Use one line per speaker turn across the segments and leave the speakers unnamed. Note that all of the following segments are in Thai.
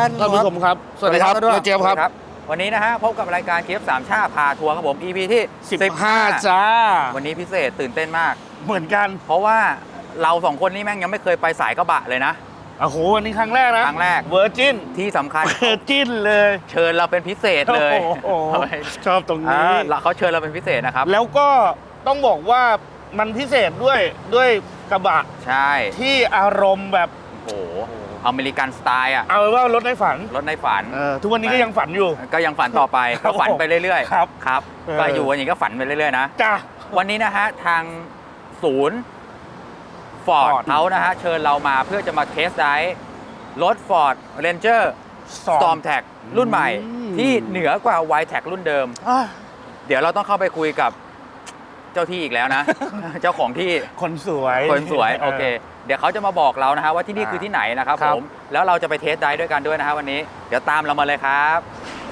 ท่านผู้ชมครับสวัสดีครับเจี๊ยบครับ
วันนี้นะฮะพบกับรายการเคฟสามชาพาทัวร์ครับผม EP ที่
15จ้า
วันนี้พิเศษตื่นเต้นมาก
เหมือนกัน
เพราะว่าเราสองคนนี่แม่งยังไม่เคยไปสายกระบะเลยนะ
โอ้โหวันนี้ครั้งแรกนะ
ครั้งแรก
เวอร์จิน
ที่สำคัญ
เวอร์จินเลย
เชิญเราเป็นพิเศษเลย
ชอบตรงนี้
เขาเชิญเราเป็นพิเศษนะครับ
แล้วก็ต้องบอกว่ามันพิเศษด้วยกระบะ
ใช่
ที่อารมณ์แบบ
โอ้โหอเมริกันสไตล์อ่ะ
เอาว่ารถในฝันทุกวันนี้ก็ยังฝันอยู่
ก็ยังฝันต่อไปก็ฝันไปเรื่อย
ๆครับ
ก็อยู่อย่างนี้ก็ฝันไปเรื่อยๆนะ
จ้า
วันนี้นะฮะทางศูนย์ฟอร์ดเขานะฮะเชิญเรามาเพื่อจะมาเทสไดรฟ์รถ Ford Ranger Storm Tag รุ่นใหม่ที่เหนือกว่า Y-Tag รุ่นเดิมเดี๋ยวเราต้องเข้าไปคุยกับเจ้าที่อีกแล้วนะ เจ้าของที่
คนสวย
โอเคเดี๋ยวเขาจะมาบอกเรานะฮะว่าที่นี่คือที่ไหนนะครับผมแล้วเราจะไปเทสไดรฟ์ด้วยกันด้วยนะฮะวันนี้เดี๋ยวตามเรามาเลยครับ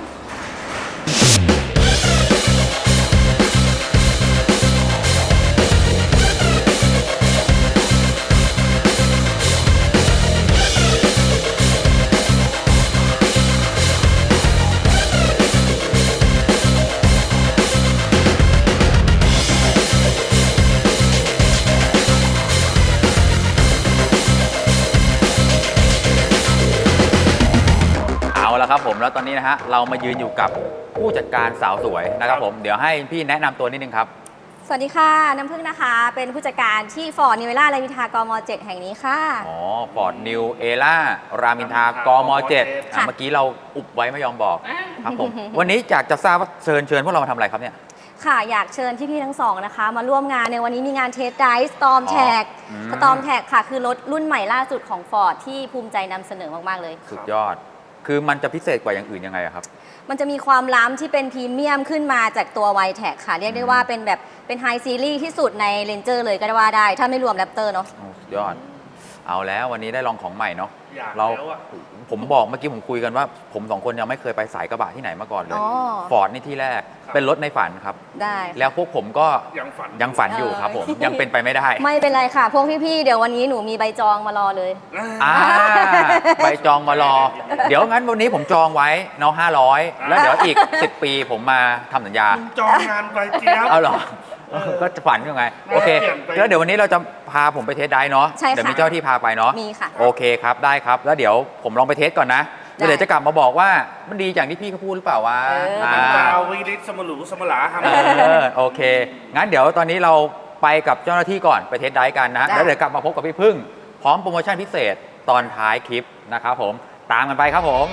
ครับผมแล้วตอนนี้นะฮะเรามายืนอยู่กับผู้จัดการสาวสวยนะครับผมเดี๋ยวให้พี่แนะนำตัวนิดนึงครับ
สวัสดีค่ะน้ำพึ่งนะคะเป็นผู้จัดการที่ Ford New Era รามอินทรากม.7 แห่งนี้ค่ะ
อ๋อ Ford New Era รามอินทรากม.7 เมื่อกี้เราอุบไว้ไม่ยอมบอกครับผมวันนี้อยากจะทราบว่าเชิญพวกเรามาทำอะไรครับเนี่ย
ค่ะอยากเชิญพี่ๆทั้งสองนะคะมาร่วมงานในวันนี้มีงานเทสไดรฟ์ Storm Tag Storm Tag ค่ะคือรถรุ่นใหม่ล่าสุดของ Ford ที่ภูมิใจนำเสนอมากๆเลย
สุดยอดคือมันจะพิเศษกว่าอย่างอื่นยังไงครับ
มันจะมีความล้ำที่เป็นพรีเมียมขึ้นมาจากตัว Y-Tag ค่ะเรียกได้ว่าเป็นแบบเป็นไฮซีรีส์ที่สุดใน Ranger เลยก็ได้ว่าได้ถ้าไม่รวม Raptor เนาะ
ยอดเอาแล้ววันนี้ได้ลองของใหม่เนาะผมบอกเมื่อกี้ผมคุยกันว่าผมสองคนยังไม่เคยไปสายกระบะที่ไหนมาก่อนเลยฟอร์ดนี่ที่แรกเป็นรถในฝันครับ
ได้
แล้วพวกผมก็ยังฝันอยู่ครับผมยังเป็นไปไม่ได้
ไม่เป็นไรค่ะพวกพี่ๆเดี๋ยววันนี้หนูมีใบจองมารอเลย
ใบจองมารอเดี๋ยวงั้นวันนี้ผมจองไว้เนาะ500แล้วเดี๋ยวอีก10 ปีผมมาทำสัญญา
จองงานไปเจี๊ยบ
เอาเหรอก็ฝันยังไงโอเคแล้วเดี๋ยววันนี้เราจะพาผมไปเทสได้เนาะเดี๋ยวมีเจ้าที่พาไปเนาะ
มีค่ะ
โอเคครับได้ครับแล้วเดี๋ยวผมลองไปเทสก่อนนะเดี๋ยวจะกลับมาบอกว่ามันดีอย่างที่พี่เขาพูดหรือเปล่าวะ
มันจะเอาวิริศสมรูสมลาครับ
โอเคงั้นเดี๋ยวตอนนี้เราไปกับเจ้าหน้าที่ก่อนไปเทสได้กันนะแล้วเดี๋ยวกลับมาพบกับพี่พึ่งพร้อมโปรโมชั่นพิเศษตอนท้ายคลิปนะครับผมตามกันไปครับผม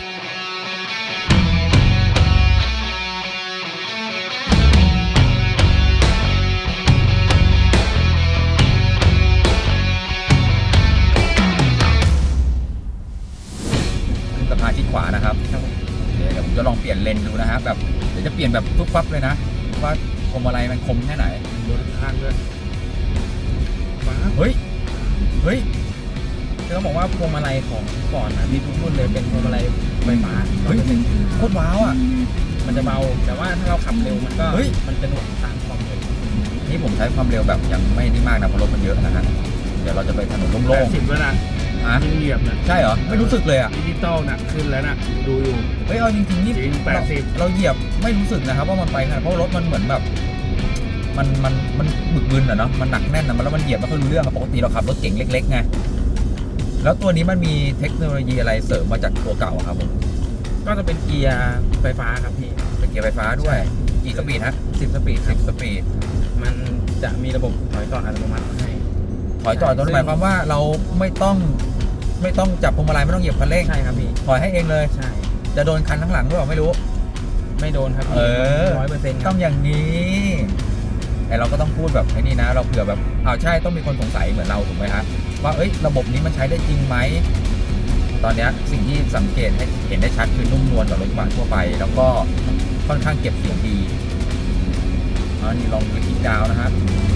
สะพานที่ขวานะครับเดี๋ยวผมจะลองเปลี่ยนเลนดูนะฮะแบบเดี๋ยวจะเปลี่ยนแบบปุ๊บปั๊บเลยนะว่าคมอะไรมันคมแค่ไหน
โดนทางด้วย
เฮ้ยจะบอกว่าพวงมาลัยของก่อนนะมีทุกรุ่นเลยเป็นพวงมาลัยไฟฟ้าเฮ้ยโคตรว้าวอ่ะ
มันจะเบาแต่ว่าถ้าเราขับเร็วมันก็มันจะหน่วงตามความเร็ว
นี่ผมใช้ความเร็วแบบยังไม่ได้มากนะเพราะรถมันเยอะนะฮะเดี๋ยวเราจะไปถนนโล่ง
ๆ80แล้วนะยิ่งเหยียบนะ
ใช่เหรอไม่รู้สึกเลยอ่ะ
ดิจิตอลนะขึ้นแล้วนะดูอยู่
เฮ้ยเอาจริงๆนี่80เราเหยียบไม่รู้สึกนะครับว่ามันไปขนาดเพราะรถมันเหมือนแบบมันบึกบึนอ่ะเนาะมันหนักแน่นนะแล้วมันเหยียบไม่ค่อยรู้เรื่องปกติเราขับรถเก๋งเล็กๆไงแล้วตัวนี้มันมีเทคโนโลยีอะไรเสริมมาจากตัวเก่าครับผม
ก็จะเป็นเกียร์ไฟฟ้าครับพี่
เป็นเกียร์ไฟฟ้าด้วยกี่สปีดฮะ
10 สปีด
10 สปีด
มันจะมีระบบถอยจอดอัตโนมัติให้
ถอยจอดตรงหมายความว่าเราไม่ต้องจับพวงมาลัยไม่ต้องเหยียบคันเร่ง
ใช่ครับพี่
ถอยให้เองเลย
ใช่
จะโดนคันข้างหลังหรือเปล่าไม่รู้
ไม่โดนครับ
100%ต้องอย่างนี้แต่เราก็ต้องพูดแบบไอ้นี่นะเราเผื่อแบบใช่ต้องมีคนสงสัยเหมือนเราถูกไหมฮะว่าระบบนี้มันใช้ได้จริงไหมตอนนี้สิ่งที่สังเกตให้เห็นได้ชัดคือนุ่มนวลกว่ารถกระบะทั่วไปแล้วก็ค่อนข้างเก็บเสียงดีนี่ลองคลิกดาวนะฮะ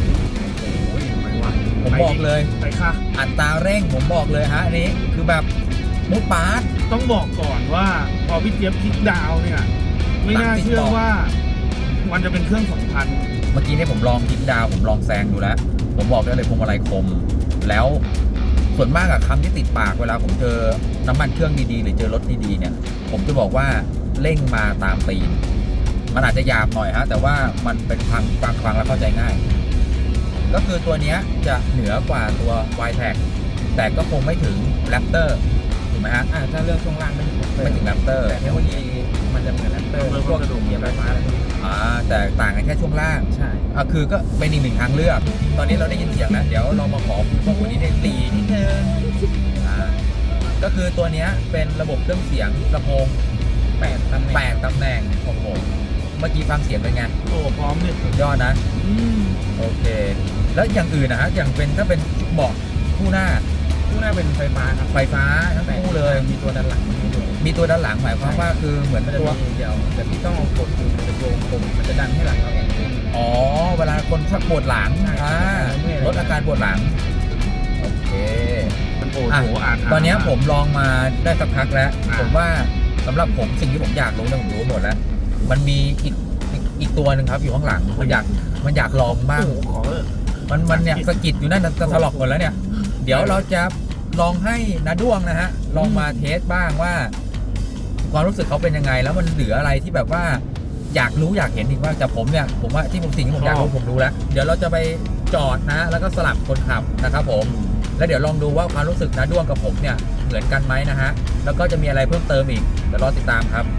ผมบอกเลย
ไปค่ะ
อัตราเร่งผมบอกเลยฮะอันนี้คือแบบมุดปาร์ต
ต้องบอกก่อนว่าพอพี่เจี๊ยบคลิกดาวเนี่ยไม่น่าเชื่อว่ามันจะเป็นเครื่อง2,000
เมื่อกี้เนี่ยผมลองคลิกดาวผมลองแซงดูแล้วผมบอกได้เลยพวงมาลัยคมแล้วส่วนมากอะคำที่ติดปากเวลาผมเจอน้ำมันเครื่องดีๆหรือเจอรถดีๆเนี่ยผมจะบอกว่าเร่งมาตามตีนมันอาจจะหยาบหน่อยฮะแต่ว่ามันเป็นฟังแล้วเข้าใจง่าย ก็คือตัวเนี้ยจะเหนือกว่าตัว Y-Track แต่ก็คงไม่ถึง Raptor ถูกไหมฮะ
ถ้าเรื่องช่วงล่างไม่ถึง
ไม่ถึง Raptor
แต่เทคโนโลยีมันจะเหมือนแรปเตอร์พวกกระดูกเหยียบไฟฟ้าอะไรพวกนี้
แต่ต่างกันแค่ช่วงล่าง
ใช่
คือก็เป็นอีกหนึ่งทางเลือก ตอนนี้เราได้ยินเสียงแล้วเดี๋ยวเรามาขอพวกคนนี้ได้ตีนิดนึงก็คือตัวเนี้ยเป็นระบบเครื่องเสียงลำโพง
8 ตำแหน่ง
8 ตำแหน่งโอ้โหเมื่อกี้ฟังเสียงเป็นไง
โอ้พร้อมเนี่ย
สุดยอดนะ โอเค แล้วอย่างอื่นนะฮะอย่างเป็นถ้าเป็นเบาะคู่หน้า
คู่หน้าเป็นไฟฟ้าครับ
ไฟฟ้าทั้งคู่เลย
มีตัวด้านหลังให้ด้วย
มีตัวด้านหลังหมายความว่าคือเหมือน
มันจะ
ตัว
มีเดี๋ยวแต่พี่ต้องเอากดคือมันจะโยงผมมันจะดันให้หลังเราแข็งขึ้น
อ๋อเวลาคนชักปวดหลัง
ใช่
ลดอาการปวดหลังโอเค
มันโอ้โหอ่าน
ตอนนี้ผมลองมาได้สักพักแล้ว
อ่า
ผมว่าสำหรับผมสิ่งที่ผมอยากรู้เนี่ยผมรู้หมดแล้ว มันมีอีกตัวหนึ่งครับอยู่ข้างหลังมันอยากลองบ้าง
โอ้โหขอเถอะ
มันเนี่ยสะกิดอยู่นั่นจะถลอกหมดแล้วเนี่ย เดี๋ยวเราจะลองให้นาด้วงนะฮะลองมาเทสบ้างว่า ความรู้สึกเขาเป็นยังไง แล้วมันเหลืออะไรที่แบบว่าอยากรู้อยากเห็นอีกว่าแต่ผมเนี่ยผมว่าที่สิ่งที่ผมอยากรู้ผมรู้แล้ว เดี๋ยวเราจะไปจอดนะ แล้วก็สลับคนขับนะครับผม แล้วเดี๋ยวลองดูว่าความรู้สึกนาด้วงกับผมเนี่ยเหมือนกันไหมนะฮะแล้วก็จะมีอะไรเพิ่มเติมอีกเดี๋ยวรอติดตามครับ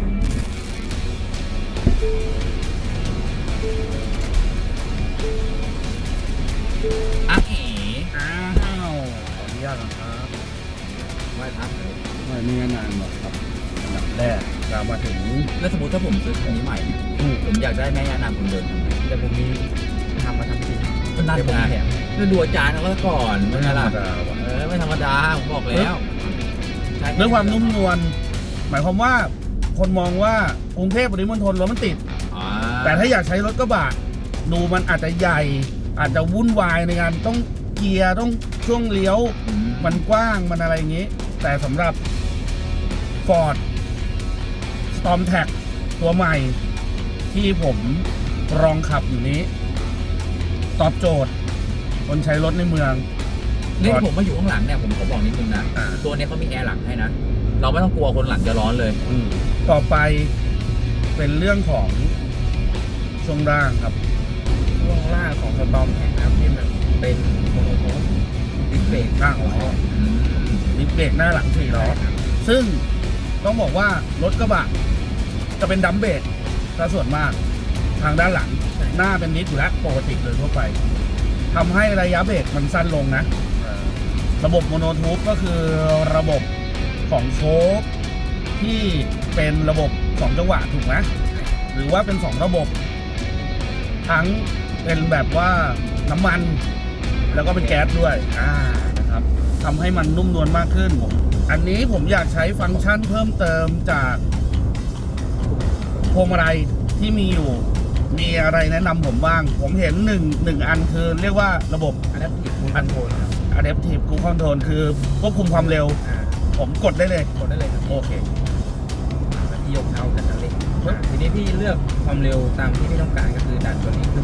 อ้าว
อ้าว
ขออนุญาตนะครับไหว้พระเลย
ไม่มีงานหรอกครับอันดับแรกเรามาถึง
แล้วสมมติถ้าผมซื้อคันนี้ใหม่เนี่ยผมอยากได้แม่ย่านางคนเดินทำไง
แต่ผมมีทำมาทำจริง
ก็นั่น
เดี๋ยวผม
ไง
แถม
ก็ดูอาจารย์เขาแล้วก่อนเป็นไงล่ะ
ธรรมดาว่ะ
ไม่ธรรมดาผมบอกแล้วใช่
เรื่องความนุ่มนวลหมายความว่าคนมองว่ากรุงเทพปริมณฑลรถมันติด แต่ถ้าอยากใช้รถกระบะดูมันอาจจะใหญ่ อาจจะวุ่นวายในการต้องเกียร์ต้องช่วงเลี้ยว มันกว้างมันอะไรอย่างนี้ แต่สำหรับ Ford Storm Tag ตัวใหม่ ที่ผมลองขับอยู่นี้ ตอบโจทย์คนใช้รถในเมือง
นี่ผมมาอยู่ข้างหลังเนี่ยผมขอบอกนิดนึงนะ ตัวนี้เขามีแอร์หลังให้นะ เราไม่ต้องกลัวคนหลังจะร้อนเลย
ต่อไปเป็นเรื่องของช่วงล่างครับ
ช่วงล่างของสตอมแข็งนะครับที่มันเป็นโมโนโพสดิสเบรก
ข้างล้อดิสเบรกหน้าหลัง4ล้อซึ่งต้องบอกว่ารถกระบะจะเป็นดัมเบรกซะส่วนมากทางด้านหลังหน้าเป็นนิดอยู่แล้วปกติเลยทั่วไปทำให้ระยะเบรกมันสั้นลงนะ ระบบโมโนทูปก็คือระบบของโชคที่เป็นระบบ2จังหวะถูกไหมหรือว่าเป็น2ระบบ ทั้งเป็นแบบว่าน้ำมันแล้วก็เป็นแก๊สด้วยนะครับทำให้มันนุ่มนวลมากขึ้น อันนี้ผมอยากใช้ฟังก์ชันเพิ่มเติมจากพวงมาลัยที่มีอยู่มีอะไรแนะนำผมบ้าง ผมเห็นหนึ่งอันคือเรียกว่าระบบ
อันนั้นผิดคุณคอนโทรลครับ
Adaptive Cruise Control คือควบคุมความเร็ว ผมกดได้เลย
กดได้เลยครับ
โอเค
แล้วพี่ยกเท้ากับคันเร่งทีนี้พี่เลือกความเร็วตามที่พี่ต้องการก็คือดันตัวนี้ขึ้น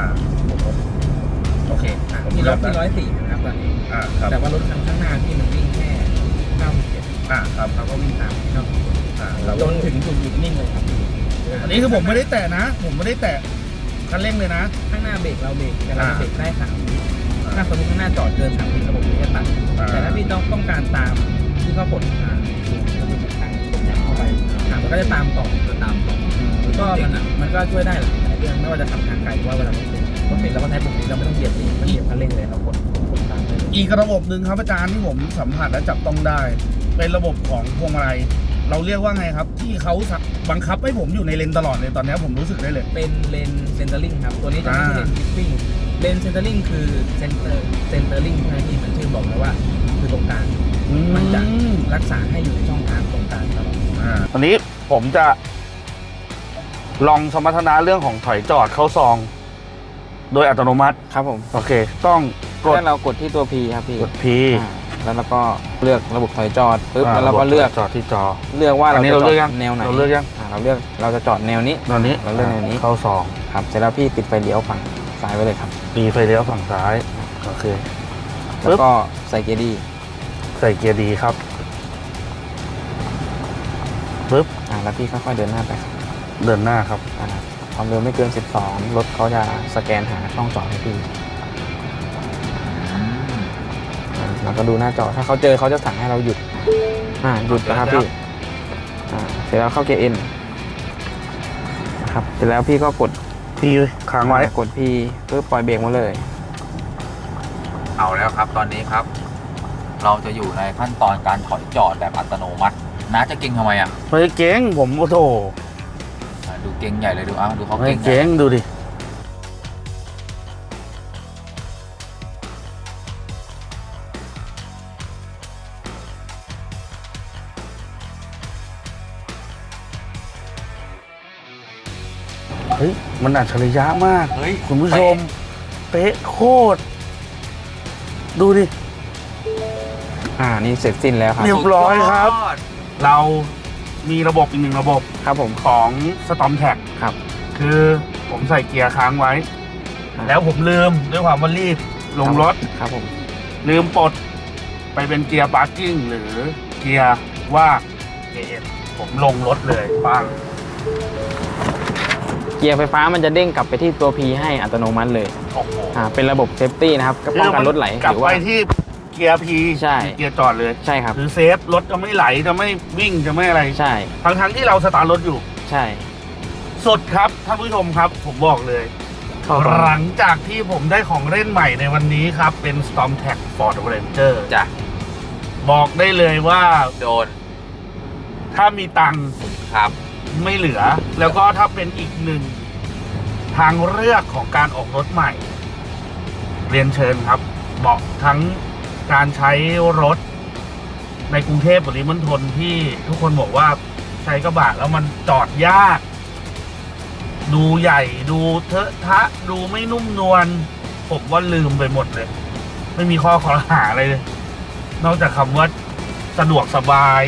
โอเค
ที่รถที่104นะครับตอนนี้
ครับ
แต่ว่ารถคันข้างหน้าพี่มันวิ่งแค่97
ครับ
เราก็วิ่งตามที่เรา
เรา
จนถึงจุดหยุดนิ่งเลยครับ
อันนี้คือผมไม่ได้แตะนะ ผมไม่ได้แตะคันเร่งเลยนะ
ข้างหน้าเบรกเราเบรกแต่เราเบรกได้3 วิถ้าสมมติข้างหน้าจอดเกิน3 วิระบบนี้จะตัดแต่ถ้าพี่ต้องการตามที่เขากดระบบทางกดยับเข้าไปมันก็จะตามต่อก็มันก็ช่วยได้หลายเรื่องไม่ว่าจะขับทางไกลหรือว่าเวลารถติดเราก็ใช้ปุ่มนี้เราไม่ต้องเหยียบเองไม่เหยียบคันเร่งเลยเรากดตามได้เลย
อีกระบบหนึ่งครับอาจารย์ที่ผมสัมผัสและจับต้องได้ เป็นระบบของพวงมาลัยเราเรียกว่าไงครับ ที่เขาบังคับให้ผมอยู่ในเลนตลอดเลยตอนนี้ผมรู้สึกได้เลย
เป็นเลนเซนเตอร์ลิงครับตัวนี้จะไม่ใช่เลนทิปปิ้งเลนเซนเตอร์ลิงคือเซนเตอร์ลิงใช่ไหมที่มันชื่อบอกเลยว่าคือตรงกลางมันจะรักษาให้อยู่ในช่องทางตรงกลางตลอด
ตอนนี้ผมจะลองสมรรถนะเรื่องของถอยจอดเข้าซอง โดยอัตโนมัติ
ครับผม
โอเค ต้องกด
ถ้าเรากดที่ตัว P ครับพี่
กด P
แล้วเราก็เลือกระบบถอยจอดปึ๊บแล้วเราก็เลือก
จอดที่จอ
เลือกว่า
อั
เรา
นนี้
จะ
เรา
จ
เลื
อ
อก
ด
ยัง
แนวไหน
เราเลือกยัง
เราจะจอดแนวนี้
ตอนนี้
เราเลือกแนวนี้
เข้าซอง
ครับเสร็จแล้วพี่ปิดไฟเลี้ยวฝั่งซ้ายไว้เลยครับ
ปีไฟเลี้ยวฝั่งซ้ายโอเค
แล้วก็ใส่เกียร์ดี
ใส่เกียร์ดีครับปึ๊บ
แล้วพี่ค่อยๆเดินหน้าไปครับ
เดินหน้าครับ
ความเร็วไม่เกิน 12 รถเขาจะสแกนหาช่องจอดให้พี่แล้วก็ดูหน้าจอถ้าเขาเจอเขาจะสั่งให้เราหยุดหยุดนะครับพี่เสร็จแล้วเข้าเกียร์ N นะครับเสร็จแล้วพี่ก็กด
พี่ค้างไว้
กดพี่เพื่อปล่อยเบรกมาเลย
เอาแล้วครับตอนนี้ครับ เราจะอยู่ในขั้นตอนการถอยจอดแบบอัตโนมัติน้าจะเก่งทำไมอ่ะ
ไม่เก่งผมโอ้โห
ดูเก่งใหญ่เลยดูดูเขา
ไม่
เก่ง
เก่งดูดิเฮ้ยมันอัจฉริยะมาก
เฮ้ย
คุณผู้ชม เป๊ะโคตร ดูดิ
นี่เสร็จสิ้นแล้วครับ
เรียบร้อยครับ เรามีระบบอีกหนึ่งระบบ
ครับผม
ของ Storm Tag
ครับ
คือผมใส่เกียร์ค้างไว้ แล้วผมลืมด้วยความว่ารีบลงรถ
ครับผม
ลืมปลดไปเป็นเกียร์พาร์กิ้งหรือเกียร์ว่าเกียร์เอ็นผมลงรถเลยปัง
เกียร์ไฟฟ้ามันจะเด้งกลับไปที่ตัว P ให้อัตโนมัติเลย
โอ้โห
เป็นระบบเซฟตี้นะครับก็ป้องกันรถไหล
กลับ
หรือ
ไป
ว่า
ที่เกียร์พี
ใช่
เกียร์จอดเลย
ใช่ครับ
คือเซฟรถจะไม่ไหลจะไม่วิ่งจะไม่อะไร
ใช่
ทั้งที่เราสตาร์ทรถอยู่
ใช่
สุดครับท่านผู้ชมครับ ผมบอกเลย หลังจากที่ผมได้ของเล่นใหม่ในวันนี้ครับ เป็น Storm Tag Ford Ranger
จ้ะ
บอกได้เลยว่า
โดน
ถ้ามีตังค์
ครับ
ไม่เหลือ แล้วก็ถ้าเป็นอีกหนึ่งทางเลือกของการออกรถใหม่ เรียนเชิญครับเหมาะทั้งการใช้รถในกรุงเทพปริมณฑลที่ทุกคนบอกว่าใช้กระบะแล้วมันจอดยาก ดูใหญ่ดูเทอะทะดูไม่นุ่มนวลผมว่าลืมไปหมดเลย ไม่มีข้อขอหาอะไรเลย นอกจากคำว่าสะดวกสบาย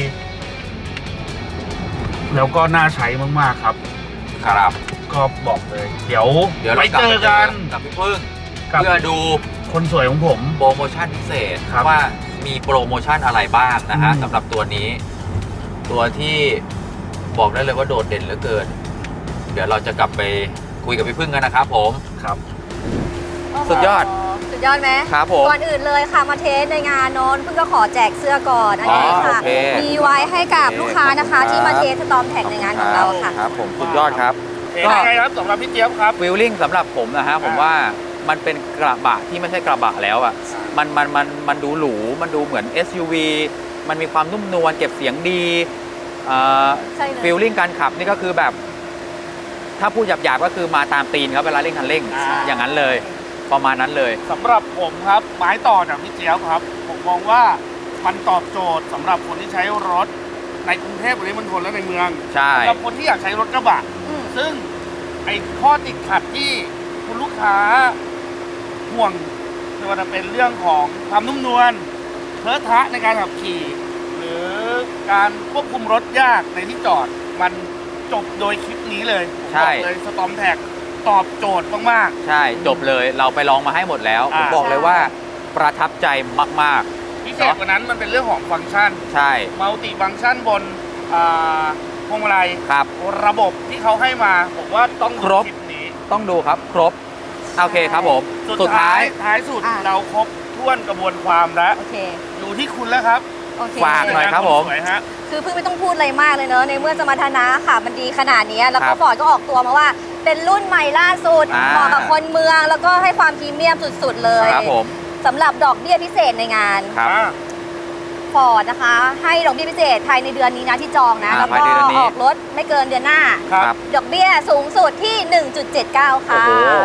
แล้วก็น่าใช้มากๆครับ
ครับ
ก็บอกเลย เดี๋ยว
เดี๋ยว
ไป
เรากลับ
เจอกัน
กับพี่พึ่ง
กับ
เพื่อดู
คนสวยของผม
โปรโมชั่นพิเศษ
ครับ
ว่ามีโปรโมชั่นอะไรบ้างนะฮะ
อืม
สำหรับตัวนี้ ตัวที่บอกได้เลยว่าโดดเด่นเหลือเกิน เดี๋ยวเราจะกลับไปคุยกับพี่พึ่งกันนะครับผม
ครับ
สุดยอด
สุดยอดไหม
ครับผม
ก่อนอื่นเลยค่ะมาเทสในงานโน้นเพิ่งก็ขอแจกเสื้อก่อนอันนี้ค่ะ
โอเค
มีไว้ให้กับลูกค้านะคะ
ครับ
ที่มาเทสสตอมแท็กในงานของเราค่ะ
ครับผมสุดยอดครับ
เห็นยังไงครับสำหรับพี่เจี๊ยบครับ
ฟิลลิ่งสำหรับผมนะฮะผมว่ามันเป็นกระบะที่ไม่ใช่กระบะแล้วอ่ะมันดูหรูมันดูเหมือน SUV มันมีความนุ่มนวลเก็บเสียงดี
ใช่เลย
ฟิลลิ่งการขับนี่ก็คือแบบ ถ้าพูดหยาบๆก็คือมาตามตีนครับเวลาเร่งคันเร่ง อย่างนั้นเลย ประมาณนั้นเลย
สำหรับผมครับไม้ต่อจากพี่เจี๊ยบครับ ผมมองว่ามันตอบโจทย์สำหรับคนที่ใช้รถในกรุงเทพปริมณฑลและในเมือง
ใช่
สำหรับคนที่อยากใช้รถกระบะ
อืม
ซึ่งไอ้ข้อติดขัดที่คุณลูกค้าห่วงไม่ว่าจะเป็นเรื่องของความนุ่มนวลเทอะทะในการขับขี่ หรือการควบคุมรถยากในที่จอด มันจบโดยคลิปนี้เลยผมบอกเลยสตอมแท็กตอบโจทย์มาก
ใช่จบเลยเราไปลองมาให้หมดแล้วผม
อ่า
บอกเลยว่าประทับใจมาก
ๆ พิเศษกว่านั้นมันเป็นเรื่องของฟังก์ชัน
ๆ ใช่
มัลติฟังก์ชันบนพวงมาลัย
ครับ
ระบบที่เขาให้มาผมว่าต้อง
ครบ
คลิปนี้
ต้องดูครับครบโอเคครับผม
สุดท้ายสุด
อ่ะ
เราครบถ้วนกระบวนความแล้ว
โอเค
อยู่ที่คุณแล้วครับ
โอเค
ฝากหน่อยครับผม
สวยฮะ
คือเพิ่งไม่ต้องพูดอะไรมากเลยเนอะในเมื่อสมรรถนะค่ะ มันดีขนาดนี้แล้ว
ครั
ก็
บ
ฟอร์ดก็ออกตัวมาว่า เป็นรุ่นใหม่ล่าสุด
อ่า
เหมาะกับคนเมืองแล้วก็ให้ความพรีเมียมสุดๆเลย
ครับผม
สำหรับดอกเบี้ยพิเศษในงาน
ครับ
ฟอร์ดนะคะ ให้ดอกเบี้ยพิเศษภายในเดือนนี้นะที่จองนะ แล้ว
ภาย
ก็
ในเดือนนี้
ออกรถไม่เกินเดือนหน้า
ครับ
ดอกเบี้ยสูงสุดที่ 1.79 ค่ะ
โอ้โห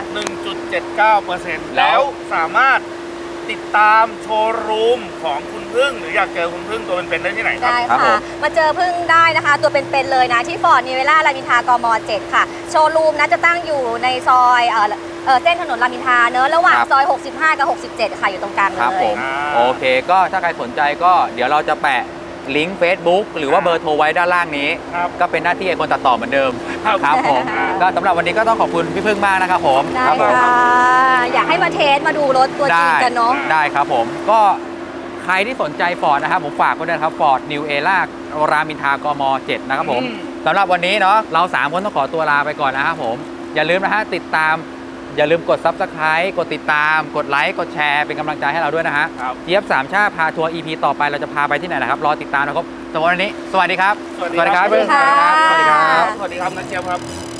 1.79%แล้วสามารถติดตามโชว์รูมของคุณพึ่ง หรืออยากเจอคุณพึ่งตัวเป็นๆได้ที่ไหนครับ
ได้
ครับผ
ค่ะ
ม
มาเจอพึ่งได้นะคะ ตัวเป็นๆเลยนะ ที่ฟอร์ดนิเวล่ารามอินทรากม 7 ค่ะ โชว์รูมนะจะตั้งอยู่ในซอยเส้นถนนรามอินทราเนอะระหว่าง
ครับ
ซอย 65 กับ 67 ค่ะ อยู่ตรงกลางเล
ครับผ
ย
มโอเคก็ถ้าใครสนใจก็เดี๋ยวเราจะแปะลิงก์ Facebook หรือว่าเบอร์โทรไว้ด้านล่างนี้
ครับ
ก็เป็นหน้าที่ไอ้คนตัดต่อเหมือนเดิม
ครับ
ครับผม
ครับ
ก็สำหรับวันนี้ก็ต้องขอบคุณพี่พึ่งมากนะครับผม
ได้
ครับผม
ค่ะ อยากให้มาเทสมาดูรถตัวจริงกันเนาะ
ได้ครับผมก็ใครที่สนใจฟอร์ดนะครับผมฝากไว้ด้วยนะครับฟอร์ดนิวเอล่ารามอินทรากม 7 นะครับผมสำหรับวันนี้เนาะเรา3คนต้องขอตัวลาไปก่อนนะครับผมอย่าลืมนะฮะติดตามอย่าลืมกด Subscribe กดติดตามกดไลค์กดแชร์เป็นกำลังใจให้เราด้วยนะฮะเจี๊ยบสามชาติพาทัวร์ EP ต่อไปเราจะพาไปที่ไหนนะครับรอติดตามนะครับสำหรับวันนี้สวัสดีครับ
สวัสดีครับ
สวัสดีค่ะ
สวัสดีครับนักเจี๊ยบครับ